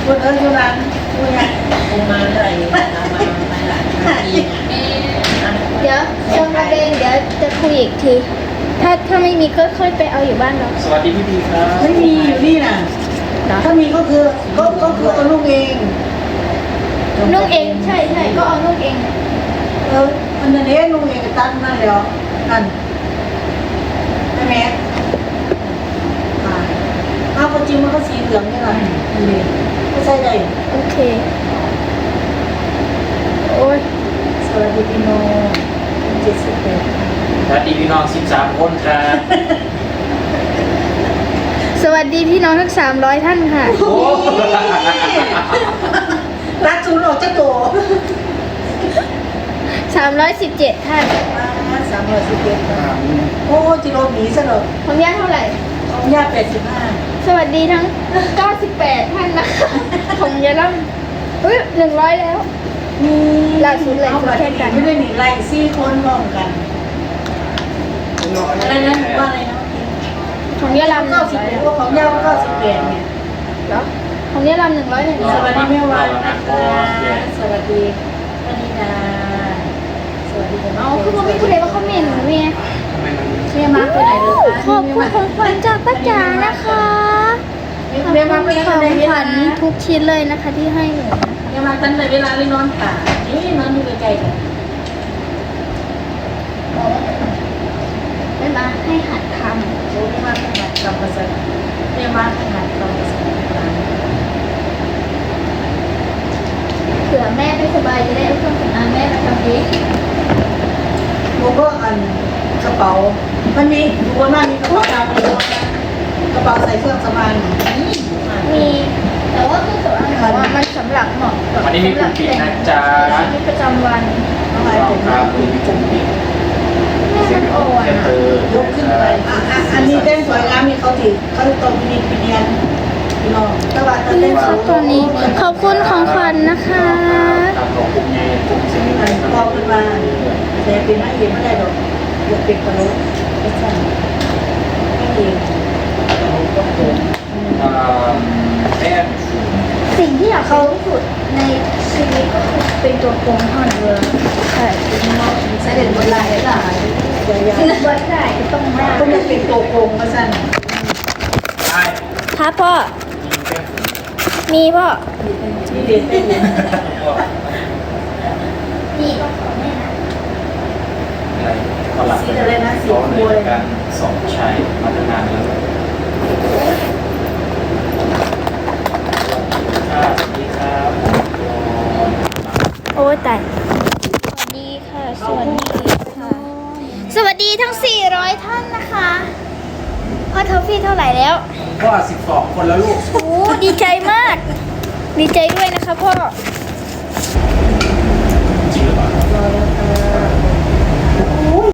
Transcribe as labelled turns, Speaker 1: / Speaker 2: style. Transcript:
Speaker 1: คนอยู่ร้านคุยคงมาอะไรมาหลายปี
Speaker 2: เดี๋ยวชมระเบนเดี๋ยวจะคุยอีกทีถ้าไม่มีก็ค่อยไปเอาอยู่บ้านเรา
Speaker 3: สวัสดีพี่พีครับ
Speaker 1: ไม่มีอยู่นี่น่ะถ้ามีก็คือเอาลูกเอง
Speaker 2: นุ่งเองใช่ก็เอานุ่งเอง
Speaker 1: อันนี้ลูกเองก็ตั้งนั่นแล้วนั่นใช่ไหมอ้าวจริงมันก็สีเหลืองนี่แหละนี่ก็ใช่เลย
Speaker 2: โอเคโอ้ย
Speaker 1: สวัสดีพี่โน71
Speaker 3: สวัสดีพี่น้อง13คนครับ
Speaker 2: สวัสดีพี่น้องทั้ง300ท่านค่ะ
Speaker 3: โอ้
Speaker 1: รัดจูนออกจากตัว
Speaker 2: 317ท่าน
Speaker 1: 311โอ้จิโร่หนีซะเลย
Speaker 2: ของย่าเท่าไหร่
Speaker 1: ของย่า85
Speaker 2: สวัสดีทั้ง98ท่านนะคะของยายล่ำ100แล้วล่าสุดเลย
Speaker 1: เอาแค่กันไม่ได้หนีไล่4คนมองกันอะไรนะว่าอะไรนะ
Speaker 2: ของยายล่ำ
Speaker 1: 91พวกของย่า98เนี่ย
Speaker 2: แล้วของยายล่ำ101
Speaker 1: สวัสดีแม่วานนะคะสวัสดีปณิดาสวัสดีคุณ
Speaker 2: อ๋อคือผมไม่พูดเลยว่าเขาเมนหนูเนี่ย
Speaker 1: แม่มาไปไหนเลย
Speaker 2: ขอบคุณของขวัญจากป้าจ๋านะคะขอบ
Speaker 1: แม่
Speaker 2: คุ
Speaker 1: มา
Speaker 2: ณ
Speaker 1: ไป
Speaker 2: ของ
Speaker 1: ไหนเว
Speaker 2: ขวั
Speaker 1: ลา
Speaker 2: ญทุกชิ้นเลยนะคะที่ให้หนู
Speaker 1: แม่มาตั้งแต่เวลาเลยนอนป่านี่นอนอยู่ไกลๆกัน
Speaker 2: ไม่มาให้หัดท
Speaker 1: โอ้แม่มาขนาดกำภาษาแม่มาขนาดกำภาษา
Speaker 2: ำเผื่อแม่ไม่สบายจะได้เอาเครื่องสำอางแม่มาทำเอง
Speaker 1: โมก็อันกระเป๋ามันมีดูว่ามันมีกระเป๋าดำเลยกระเป๋าใส่เครื่องสำอางนี่
Speaker 2: มีแต่ว่าเครื่องสำอางของมันสำหรับเหมาะกับ
Speaker 3: วันนี้มีคุณปิดนะจ๊ะ
Speaker 2: ชีวิตประจำวัน
Speaker 1: อะไร
Speaker 3: น้อง
Speaker 1: เป็น
Speaker 3: ครับคุณพี่จุ๋มปิด
Speaker 2: แม่มันอ่อน
Speaker 3: แค่เธอย
Speaker 1: กขึ้นไปอันนี้เต้นสวยงามมีเขาติดเขาตรงนี้ปีเนียนพี่น้องตลาด
Speaker 2: นี่
Speaker 1: เต้น
Speaker 2: ค่ะตัวนี้ขอบคุณของขวัญนะคะ
Speaker 3: ตามของกลุ่มใหญ่กลุ่มเสียง
Speaker 1: อันพอขึ้นมาแต่เป็นนักเรียนไม่ได้หรอกอยากเป็นกระโหลกไม่ใช่ไม่เอง
Speaker 3: แป้ง
Speaker 2: สิ่งที่อยากเขาที่สุดในชีวิตก็คือเป็นตัวโกงเท่านั้นเลยใช่
Speaker 1: ใช้เด็ดบนลายได้ยาว
Speaker 2: วัดได้ต้องได้
Speaker 1: ๆก็ยังเป็นตัวโกงมาสั้น
Speaker 3: ใช่
Speaker 2: ครับพ่อ มีพ่อ
Speaker 1: ที่เด็ดเต้นเนี่ย
Speaker 2: มีก็ขอแม่นะ
Speaker 3: อะไรตลาดร้อนเลยกันสองชัยมาตั้งนานแล้วสวัสดีครับ
Speaker 2: โอ้ยตายสวัสดีค่ะ สวัสดีค่ะ สวัสดีทั้ง 400 ท่านนะคะพ่อทอฟฟี่เท่าไหร่แล้ว
Speaker 3: ก็12 คนแล้วลูก
Speaker 2: โอ้ดีใจมาก ดีใจด้วยนะคะพ่อ